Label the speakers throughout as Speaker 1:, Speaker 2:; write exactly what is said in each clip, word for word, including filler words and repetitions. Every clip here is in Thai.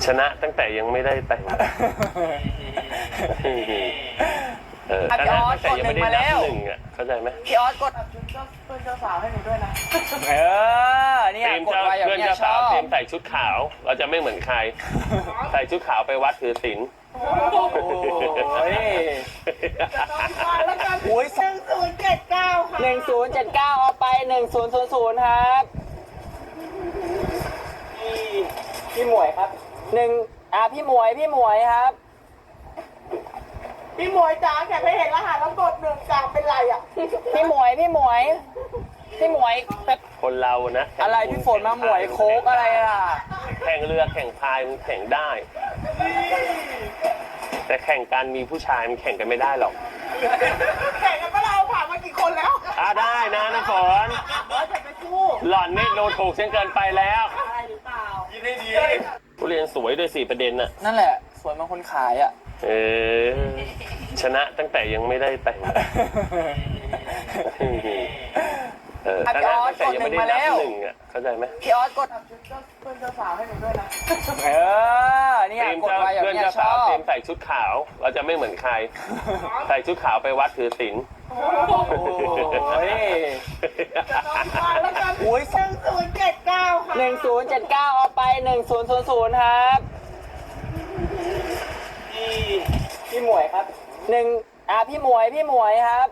Speaker 1: ชนะตั้งแต่ยังไม่ได้แต่งเออชนะตั้งแต่ยังไม่ได้นับหนึ่งอ่ะเข้าใจไหม
Speaker 2: พี่ออสกดชุดเพื่อนเจ้าสาวให้หนูด้วยนะเออเนี่ยกดไว้อย่างเงี้ยชอบ
Speaker 1: เตรียมใส่ชุดขาวเราจะไม่เหมือนใครใส่ชุดขาวไปวัดถือศีล
Speaker 2: โอ้ยแล้วกันโอ้ยหนึ่งศูนย์เจ็ดเก้าค่ะหนึ่งศูนย์เจ็ดเก้าเอาไปหนึ่งศูนย์ศูนย์ศูนย์ครับพี่พี่หมวยครับหนึ่งอ่าพี่หมวยพี่หมวยครับพี่หมวยจ๋าแกไม่เห็นรหัสแล้วกดหนึ่งจ๋าเป็นไรอ่ะพี่หมวยพี่หมวยพี่หมวย
Speaker 1: คนเรานะ
Speaker 2: อะไรพี่ฝนมาหมวยโค้กอะไรล่ะ
Speaker 1: แข่งเรือแข่งพายมันแข่งได้แต่แข่งกันมีผู้ชายมันแข่งกันไม่ได้หรอก
Speaker 2: แข่งกันก็เราผ่านมากี่คนแล้ว
Speaker 1: อ่าได้นะน้ำฝนหล่อนนี่โดนถูกเช่นเกินไปแล้ว
Speaker 2: อะไรหรือเปล่า
Speaker 1: ยินดีดีผู้เรียนสวยด้วยสี่ประเด็นน่ะ
Speaker 2: นั่นแหละสวยบางคนขายอ่ะ
Speaker 1: เออชนะตั้งแต่ยังไม่ได้แต่งเออชนะตั้งแต่ยังไม่ได้นับหนึ่งอ่ะเข้าใจไหม
Speaker 2: พี่ออสกดชุดเพื่อนเจ้าสาวให้หนูด้วยนะเออเนี่ยกดไว้อย่างเงี้ยชอบ
Speaker 1: เตรียมใส่ชุดขาวเราจะไม่เหมือนใครใส่ชุดขาวไปวัดถือศีล
Speaker 2: โอ้ยแล้วกันโอ้ยหนึ่งศูนย์เจ็ดเก้าค่ะหนึ่งศูนย์เจ็ดเก้าเอาไปหนึ่งศูนย์ศูนย์ศูนย์ครับพี่พี่หมวยครับหนึ่งอ่าพี่หมวยพี่หมวยครับ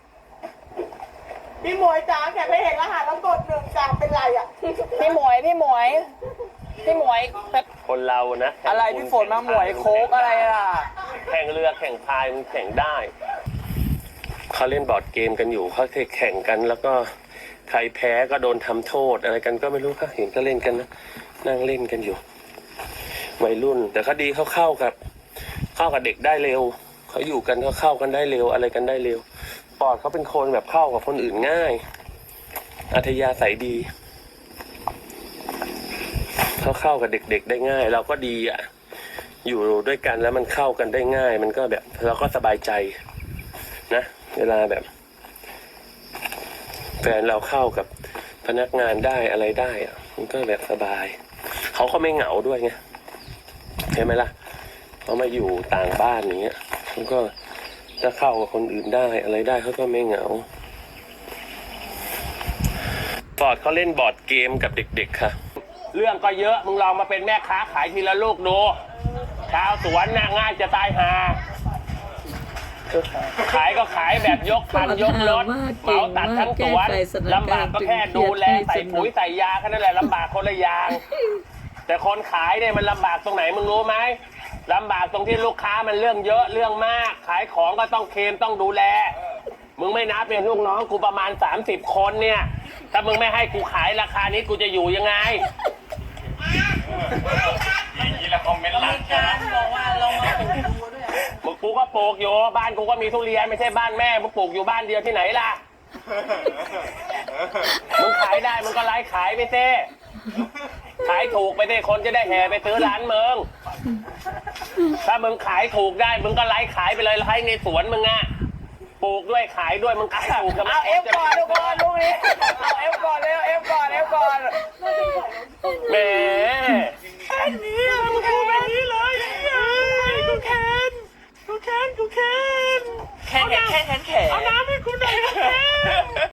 Speaker 2: พี่หมวยจ๋าแกไม่เห็นรหัสแล้วกดหนึ่งจ๋าเป็นไรอ่ะพี่หมวยพี่หมวยพี่หมวย
Speaker 1: คนเรานะ
Speaker 2: อะไรพี่ฝนมาหมวยโค้กอะไรล่ะ
Speaker 1: แข่งเรือแข่งพายมันแข่งได้เขาเล่นบอร์ดเกมกันอยู่เขาเคยแข่งกันแล้วก็ใครแพ้ก็โดนทำโทษอะไรกันก็ไม่รู้ค่ะเห็นก็เล่นกันนะนั่งเล่นกันอยู่วัยรุ่นแต่เขาดีเขาเข้ากับเข้ากับเด็กได้เร็วเขาอยู่กันเขาเข้ากันได้เร็วอะไรกันได้เร็วปอดเขาเป็นคนแบบเข้ากับคนอื่นง่ายอัธยาศัยดีเขาเข้ากับเด็กๆได้ง่ายเราก็ดีอ่ะอยู่ด้วยกันแล้วมันเข้ากันได้ง่ายมันก็แบบเราก็สบายใจนะเวลาแบบแฟนเราเข้ากับพนักงานได้อะไรได้อ่ะมันก็แบบสบายเขาก็ไม่เหงาด้วยไงเห็นไหมล่ะเขามาอยู่ต่างบ้านอย่างเงี้ยมันก็ถ้าเข้ากับคนอื่นได้อะไรได้เขาก็ไม่เหงาบอร์ดเขาเล่นบอร์ดเกมกับเด็กๆค่ะเรื่องก็เยอะมึงลองมาเป็นแม่ค้าขายทีละลูกดูชาวสวนน่ะง่ายจะตายหาขายก็ขายแบบยกคันยกรถเหมาตัดทั้งสวนลำบากก็แค่ดูแลใส่ปุ๋ยใส่ยาแค่นั้นแหละลำบากคนละอย่างแต่คนขายเนี่ยมันลำบากตรงไหนมึงรู้ไหมลำบากตรงที่ลูกค้ามันเรื่องเยอะเรื่องมากขายของก็ต้องเคลมต้องดูแลมึงไม่นับเป็นลูกน้องกูประมาณสามสิบคนเนี่ยถ้ามึงไม่ให้กูขายราคานี้กูจะอยู่ยังไงอย่างนี้ละคอมเมนต์หลังใช่ไหมบอกว่าเรามาปลูกดูด้วยมึงกูก็ปลูกอยู่บ้านกูก็มีทุเรียนไม่ใช่บ้านแม่มึงปลูกอยู่บ้านเดียวที่ไหนล่ะมึงขายได้มึงก็ไล่ขายไปเต้ขายถูกไปเต้คนจะได้แห่ไปซื้อร้านมึงถ้ามึงขายถูกได้มึงก็ไล่ขายไปเลยไล่ในสวนมึงอ่ะปลูกด้วยขายด้วยมึงขายถูกกันเอาเอฟก่อนทุกคนลูกนี้เอาเอฟก่อนเร็วเอฟก่อนเอฟก่อนแหมแค่นี้มึงพูดแบบนี้เลยกูแค้นกูแค้นกูแค้นแค้นแค้นแค้นแค้นเอาน้ำให้กูหน่อย